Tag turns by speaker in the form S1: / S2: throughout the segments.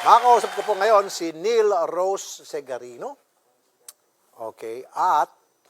S1: Makakausap ko po ngayon si Neil Rose Segarino. Okay, at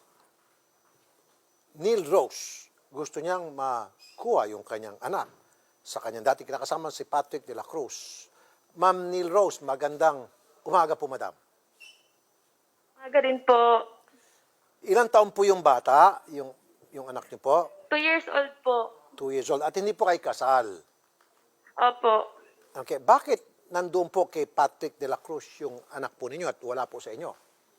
S1: Neil Rose, gusto niyang makuha yung kanyang anak sa kanyang dati kinakasama si Patrick de la Cruz. Ma'am Neil Rose, magandang umaga po, madam.
S2: Umaga rin po.
S1: Ilang taon po yung bata, yung anak niyo po?
S2: 2 years old po.
S1: 2 years old. At hindi po kayo kasal.
S2: Opo.
S1: Okay, bakit nandun po kay Patrick de la Cruz yung anak po ninyo at wala po sa inyo?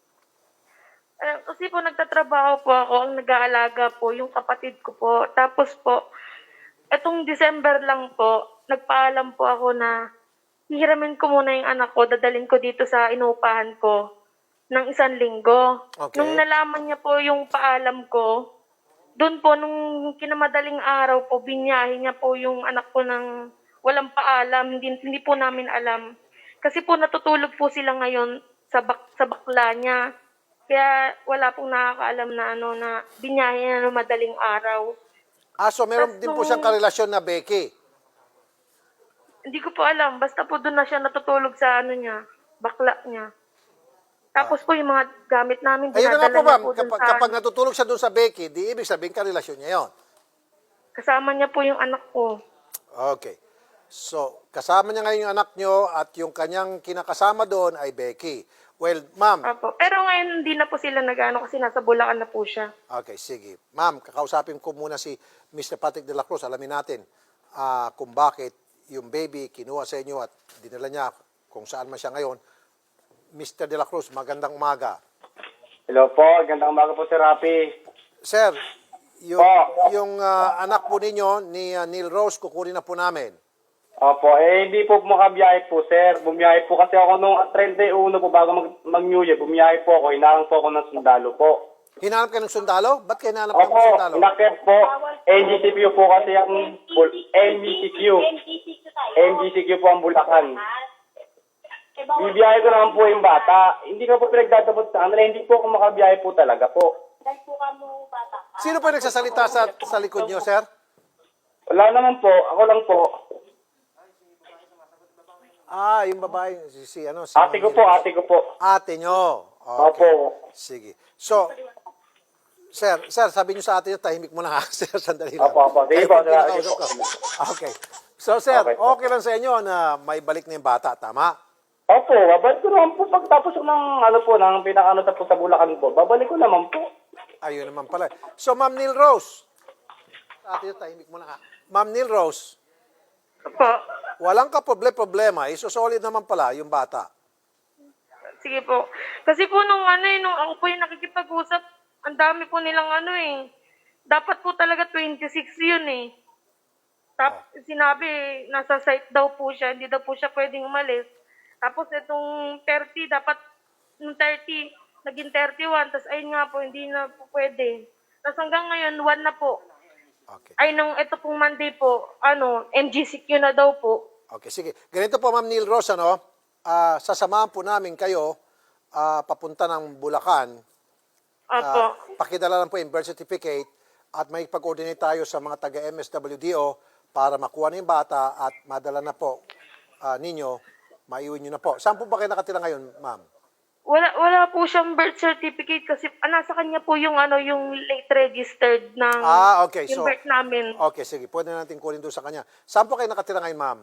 S2: Kasi po nagtatrabaho po ako, ang nag-aalaga po, yung kapatid ko po. Tapos po, etong December lang po, nagpaalam po ako na hihiramin ko muna yung anak ko, dadalhin ko dito sa inuupahan ko ng 1 linggo.
S1: Okay.
S2: Nung nalaman niya po yung paalam ko, doon po, nung kinamadaling araw po, binyahe niya po yung anak ko ng walang paalam, hindi po namin alam. Kasi po natutulog po sila ngayon sa bakla niya. Kaya wala pong nakakaalam na na binyahe niya ng madaling araw.
S1: So meron din po siyang karelasyon na Becky.
S2: Hindi ko po alam, basta po doon na siya natutulog sa niya, bakla niya. Tapos po yung mga gamit namin,
S1: Ayun na nga po, ma'am.
S2: doon
S1: Kapag natutulog siya doon sa Becky, di ibig sabihin karelasyon niya yon.
S2: kasama niya po yung anak ko.
S1: Okay. So, kasama niya ngayon yung anak niyo at yung kanyang kinakasama doon ay Becky. Well, ma'am.
S2: Opo. Pero ngayon hindi na po sila nag-ano kasi nasa Bulacan na po siya.
S1: Okay, sige. Ma'am, kakausapin ko muna si Mr. Patrick de la Cruz. Alamin natin kung bakit yung baby kinuha sa inyo at dinala niya kung saan man siya ngayon. Mr. de la Cruz, magandang umaga.
S3: Hello po, gandang umaga po, Sir Rafi.
S1: Sir, yung anak po ninyo ni Neil Rose, kukunin na po namin.
S3: Opo, hindi po makabiyahe po, sir. Bumiyahe po kasi ako nung 31 po bago mag-New Year. Bumiyahe po ako, hinarang po ako ng sundalo po.
S1: Hinanap kayo ng sundalo? Ba't kayo hinanap kayo ng
S3: Opo,
S1: sundalo?
S3: inakit po. NGCQ po kasi ang MGCQ. MGCQ po ang Bulacan. Bibiyahe ko naman po yung bata. Hindi ko po pinagdadabot sa kanila. Hindi po ako makabiyahe po talaga po.
S1: Sino po yung nagsasalita sa likod niyo, sir?
S3: Wala naman po. Ako lang po.
S1: Yung babae, si
S3: Ate ko po, ate ko po.
S1: Ate nyo. Okay.
S3: Opo.
S1: Sige. So, sir, sabi nyo sa ate nyo, tahimik muna ha. Sir, sandali lang.
S3: Opo. Sige po,
S1: Kahit
S3: sir.
S1: hindi nakausap ka. Okay. So, sir,
S3: Okay.
S1: okay lang sa inyo na may balik na yung bata, tama?
S3: Opo, babalik ko naman po pagtapos ng ng pinakaano po sa Bulacan po. Babalik ko naman po.
S1: Ayun naman pala. So, Ma'am Neil Rose. Sa ate nyo, tahimik muna ha. Ma'am Neil Rose,
S2: Opo.
S1: walang problema, isosolid naman pala yung bata.
S2: Sige po. Kasi po nung nung ako po yung nakikipag-usap, ang dami po nilang dapat po talaga 26 yun eh. Tapos sinabi, nasa site daw po siya, hindi daw po siya pwedeng umalis. Tapos itong 30, dapat nung 30, naging 31, tapos ayun nga po, hindi na po pwede. Tapos hanggang ngayon, 1 na po.
S1: Okay.
S2: Ay, nung ito pong Monday po, MGCQ na daw po.
S1: Okay, sige. Ganito po, Ma'am Neil Rose, sasamahan po namin kayo papunta ng Bulacan.
S2: Opo.
S1: Pakidala lang po yung birth certificate at may pag-coordinate tayo sa mga taga-MSWDO para makuha na yung bata at madala na po ninyo, maiuwi nyo na po. Saan po ba kayo nakatira ngayon, ma'am?
S2: Wala po siyang birth certificate kasi nasa kanya po yung yung late registered ng
S1: Okay.
S2: yung
S1: So,
S2: birth namin.
S1: okay, sige. Pwede natin kunin doon sa kanya. Saan po kayo nakatira ngayon, ma'am?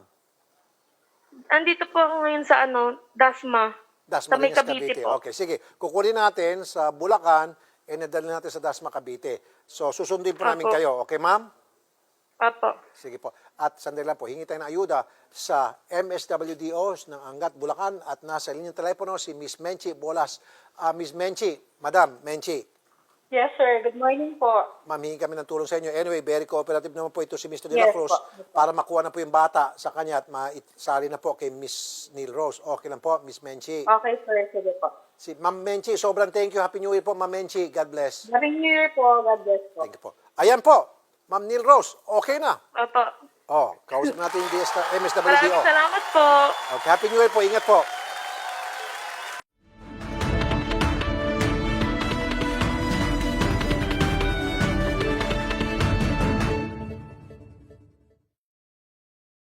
S2: Andito po ako ngayon sa Dasma. Sa may
S1: Dasmariñas,
S2: Cavite
S1: Cavite.
S2: po.
S1: Okay, sige. Kukunin natin sa Bulacan e nadali natin sa Dasma, Cavite. So, susundin po namin
S2: Apo.
S1: kayo. Okay, ma'am?
S2: Opo.
S1: Sige po. At sandali lang po, hingi tayo ng ayuda sa MSWDOs ng Angat, Bulacan at nasa linyang telepono si Miss Menchi Bolas. Miss Menchi, Madam Menchi,
S4: Yes, sir. Good morning po.
S1: ma'am, hingi kami ng tulong sa inyo. Anyway, very cooperative naman po ito si Mr. De La
S4: Yes
S1: Cruz
S4: po.
S1: para makuha na po yung bata sa kanya at maisali na po kay Miss Neil Rose. Okay lang po, Miss Menchi.
S4: Okay, sir. Sige po.
S1: Si Ma'am Menchi, sobrang thank you. Happy New Year po, Ma'am Menchi. God bless.
S4: Happy New Year po. God bless po.
S1: Thank you po. Ayan po, Ma'am Neil Rose, okay na.
S2: Opo.
S1: Kausap natin yung MSWDO.
S2: Maraming salamat po.
S1: Okay, Happy New Year po. Ingat po.